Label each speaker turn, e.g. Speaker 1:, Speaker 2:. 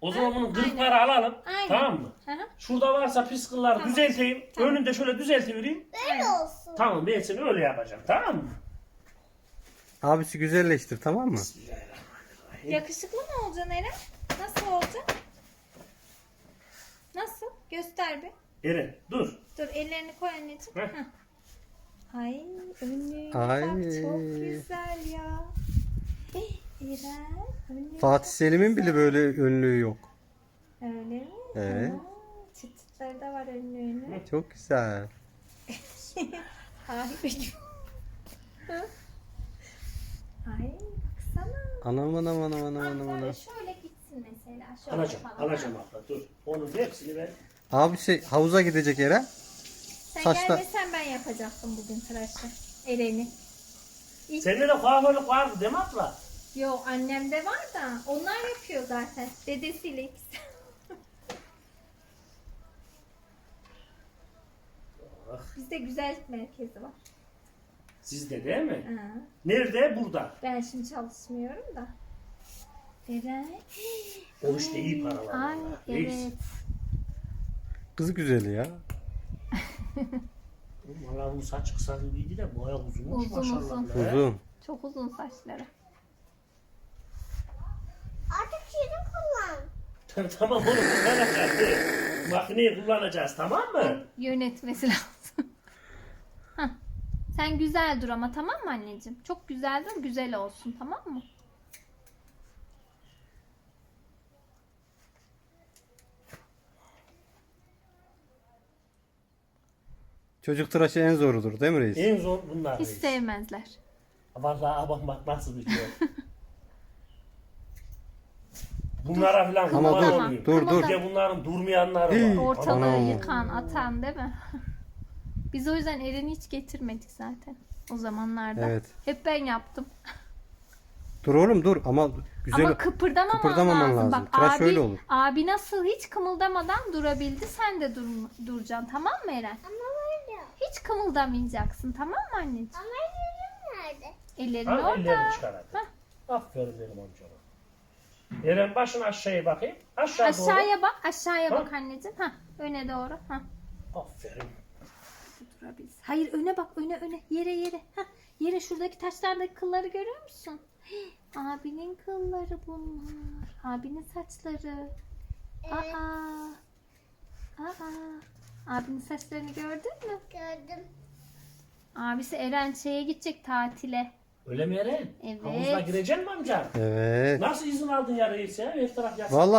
Speaker 1: O zaman bunun kırıkları alalım.
Speaker 2: Aynen.
Speaker 1: Tamam mı?
Speaker 2: Hı hı.
Speaker 1: Şurada varsa pis kılları
Speaker 2: Tamam.
Speaker 1: düzelteyim.
Speaker 2: Tamam.
Speaker 1: Önünde şöyle düzeltivereyim.
Speaker 3: Böyle olsun.
Speaker 1: Tamam ben seni öyle yapacağım. Tamam mı?
Speaker 4: Abisi güzelleştir, tamam mı?
Speaker 2: Yakışıklı mı olacaksın Eren? Nasıl olacak? Nasıl? Göster bir.
Speaker 1: Eren dur.
Speaker 2: Dur ellerini koy anneciğim.
Speaker 1: Heh.
Speaker 2: Heh. Ay önlüğüne
Speaker 4: Ay.
Speaker 2: bak çok güzel ya. Eren önlüğü
Speaker 4: Fatih Selim'in bile böyle önlüğü yok.
Speaker 2: öyle mi?
Speaker 4: Evet.
Speaker 2: Çıt çıtları da var önlüğünün.
Speaker 4: Çok güzel.
Speaker 2: Ay. Ay baksana.
Speaker 4: Anam anam anam anam anam
Speaker 2: Böyle
Speaker 4: anam.
Speaker 2: şöyle gitsin mesela. Şöyle
Speaker 1: Alacağım.
Speaker 2: falan.
Speaker 1: Alacağım abla dur. Onun hepsini ben.
Speaker 4: Abisi havuza gidecek Eren.
Speaker 2: Sen
Speaker 4: Saçta-
Speaker 2: gelmesen ben yapacaktım bugün tıraşı. Eren'i.
Speaker 1: Sende de kuaförlük vardı değil mi abla?
Speaker 2: Yok annemde var da onlar yapıyor zaten. Dedesiyle ikisi. Bizde güzellik merkezi var.
Speaker 1: Sizde değil mi?
Speaker 2: Ha.
Speaker 1: Nerede? Burada.
Speaker 2: Ben şimdi çalışmıyorum da. Eren.
Speaker 1: O işte iyi para var.
Speaker 2: Ay
Speaker 1: vallahi.
Speaker 2: evet.
Speaker 1: Reis.
Speaker 4: Kız güzeli ya.
Speaker 1: Valla bu saç kısa gibiydi de bu ayak uzunmuş
Speaker 2: Uzun,
Speaker 1: maşallah.
Speaker 2: uzun.
Speaker 1: be.
Speaker 4: Uzun.
Speaker 2: Çok uzun saçları.
Speaker 3: Artık şunu kullan.
Speaker 1: Tamam onu kullanacağız. Makineyi kullanacağız tamam mı?
Speaker 2: Yönetmesi lazım. Hah. Sen güzel dur ama tamam mı anneciğim? Çok güzel dur, güzel olsun tamam mı?
Speaker 4: Çocuk tıraşı en zorudur değil mi reis?
Speaker 1: En zor bunlar.
Speaker 2: Hiç
Speaker 1: reis.
Speaker 2: sevmezler.
Speaker 1: Vallahi bak nasıl biliyor. Bunlara falan
Speaker 4: Ama
Speaker 1: kurban
Speaker 4: dur,
Speaker 1: olayım.
Speaker 4: dur, dur.
Speaker 1: Bir de bunların durmayanları
Speaker 4: Hii.
Speaker 1: var.
Speaker 2: Ortalığı
Speaker 4: Anam.
Speaker 2: yıkan, atan değil mi? Biz o yüzden Eren'i hiç getirmedik zaten o zamanlarda.
Speaker 4: Evet.
Speaker 2: Hep ben yaptım.
Speaker 4: Dur oğlum dur ama güzel.
Speaker 2: Ama kıpırdamaman
Speaker 4: kıpırdamaman
Speaker 2: lazım.
Speaker 4: lazım.
Speaker 2: Bak
Speaker 4: Tıraş
Speaker 2: abi,
Speaker 4: öyle olur.
Speaker 2: abi nasıl hiç kımıldamadan durabildi sen de duracaksın tamam mı Eren?
Speaker 3: Ama böyle.
Speaker 2: Hiç kımıldamayacaksın tamam mı anneciğim?
Speaker 3: Ama yüzüm nerede?
Speaker 2: Ellerin
Speaker 1: Ha,
Speaker 2: orada.
Speaker 1: ellerini çıkar hadi. Aferin benim amcama. Eren başını aşağıya bakayım. Aşağı
Speaker 2: Aşağıya bak, aşağıya
Speaker 1: Ha?
Speaker 2: bak anneciğim. Ha, öne doğru. Ha,
Speaker 1: doğru. Aferin.
Speaker 2: durabiliriz. Hayır öne bak, öne, yere. Ha, yere şuradaki taşlardaki kılları görüyor musun? Hii, abinin kılları bunlar. Abinin saçları.
Speaker 3: Evet.
Speaker 2: Abinin saçlarını gördün mü?
Speaker 3: Gördüm.
Speaker 2: Abisi Eren şeye gidecek tatile.
Speaker 1: Öyle mi Eren?
Speaker 2: Evet.
Speaker 1: Havuzuna gireceksin mi amca?
Speaker 4: Evet.
Speaker 1: Nasıl izin aldın ya reis ya? Her taraf yasak.
Speaker 4: Vallahi